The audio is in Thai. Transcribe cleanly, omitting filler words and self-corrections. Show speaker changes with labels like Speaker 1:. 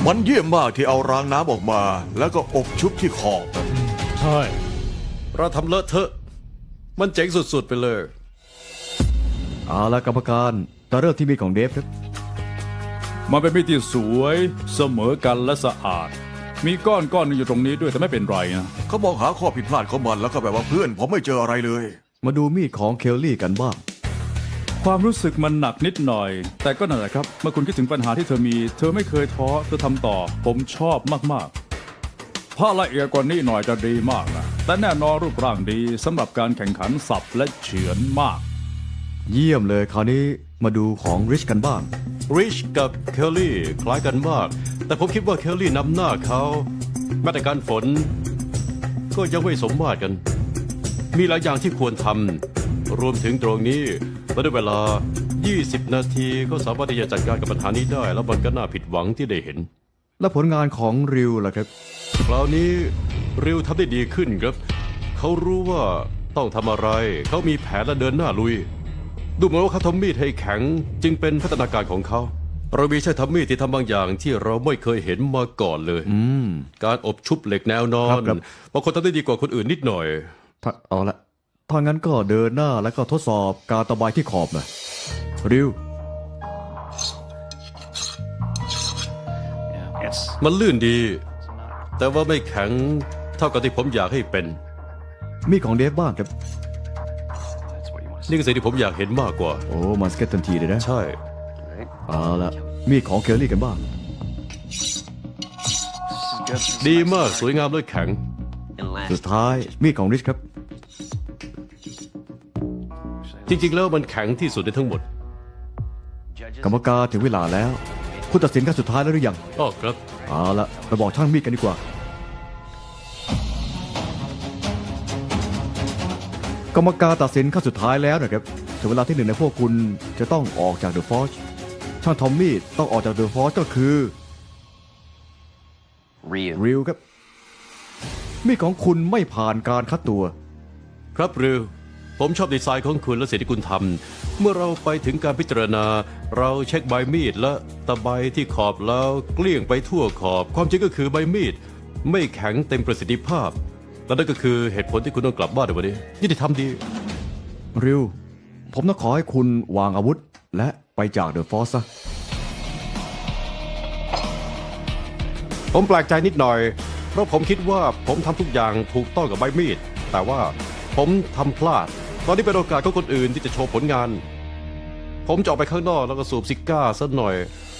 Speaker 1: มันเยี่ยมมากที่เอารางน้ำออกมา แล้วก็อบชุบที่ขอบ
Speaker 2: ใช่
Speaker 3: เราทำเลอะเทอะมันเจ๋งสุดๆไปเลย
Speaker 4: เอาละกรรมการจะเริ่มที่มีดของเดฟครับ
Speaker 2: มันเป็นมีดที่สวยเสมอกันและสะอาด มีก้อนหนึงอยู่ตรงนี้ด้วยแต่ไม่เป็นไรนะ
Speaker 1: เขามองหาข้อผิดพลาดของมันแล้วก็แบบว่าเพื่อนผมไม่เจออะไรเลย
Speaker 4: มาดูมีดของเคลลี่กันบ้าง
Speaker 2: ความรู้สึกมันหนักนิดหน่อย แต่ก็นั่นแหละครับเมื่อคุณคิดถึงปัญหาที่เธอมี เธอไม่เคยท้อเธอทำต่อ ผมชอบมากๆถ้าละเอียดกว่านี้หน่อยจะดีมากนะแต่แน่นอนรูปร่างดีสำหรับการแข่งขันสับและเฉือนมาก
Speaker 4: เยี่ยมเลยคราวนี้มาดูของริชกันบ้าง
Speaker 3: ริชกับเคลลี่คล้ายกันมาก แต่ผมคิดว่าเคลลี่นำหน้าเขาแม้แต่การฝน ก็ยังไม่สมมาตรกัน มีหลายอย่างที่ควรทำรวมถึงตรงนี้และด้วยเวลา 20 นาทีก็สามารถที่จะจัดการกับปัญหานี้ได้ แล้วมันก็น่าผิดหวังที่ได้เห็น
Speaker 4: และผลงานของริวล่ะครับ
Speaker 3: คราวนี้ริวทำได้ดีขึ้นครับ เขารู้ว่าต้องทำอะไร เขามีแผนและเดินหน้าลุย ดูเหมือนว่าเขาทำมีดให้แข็งจึงเป็นพัฒนาการของเขา เรามีใช้ทำมีดที่ทำบางอย่างที่เราไม่เคยเห็นมาก่อนเลย การอบชุบเหล็กแนวนอน
Speaker 4: ครับ
Speaker 3: บางคนทำได้ดีกว่าคนอื่นนิดหน่อย
Speaker 4: เอาละถ้างั้นก็เดินหน้าแล้วก็ทดสอบการตะไบที่ขอบนะริว
Speaker 3: มันลื่นดี แต่ว่าไม่แข็งเท่ากับที่ผมอยากให้เป็น
Speaker 4: มีดของเดฟบ้างครับ
Speaker 3: นี่คือสิ่งที่ผมอยากเห็นมากกว่า
Speaker 4: โอ้มันสเก็ตทันทีเลยนะ
Speaker 3: ใช่
Speaker 4: เอาละมีดของเคลลี่กันบ้าง
Speaker 3: ดีมากสวยงามและแข็ง
Speaker 4: สุดท้ายมีดของริชครับ
Speaker 3: จริงๆแล้วมันแข็งที่สุดในทั้งหมด
Speaker 4: กรรมการถึงเวลาแล้ว คุณตัดสินกันสุดท้ายแล้วหรือยัง
Speaker 3: อ้อครับ
Speaker 4: เอาละไปบอกช่างมีดกันดีกว่า กรรมการตัดสินขั้นสุดท้ายแล้วนะครับถึงเวลาที่หนึ่งในพวกคุณจะต้องออกจากเดอะฟอร์ชช่างทอมมี่ต้องออกจากเดอะฟอร์ชก็คือริวครับ มีดของคุณไม่ผ่านการคัดตัว
Speaker 3: ครับริวผมชอบดีไซน์ของคุณและสิ่งที่คุณทำเมื่อเราไปถึงการพิจารณา เราเช็คใบมีดและตะไบที่ขอบแล้วเกลี้ยงไปทั่วขอบ ความจริงก็คือใบมีดไม่แข็งเต็มประสิทธิภาพ และนั่นก็คือเหตุผลที่คุณต้องกลับบ้านในวันนี้ยุติธรรมดี
Speaker 4: ริว ผมต้องขอให้คุณวางอาวุธ และไปจากเดอะฟอร์ซะ
Speaker 3: ผมแปลกใจนิดหน่อย เพราะผมคิดว่าผมทำทุกอย่างถูกต้องกับใบมีด แต่ว่าผมทำพลาด ตอนนี้เป็นโอกาสของคนอื่นที่จะโชว์ผลงาน ผมจะออกไปข้างนอกแล้วก็สูบซิก้าสักหน่อย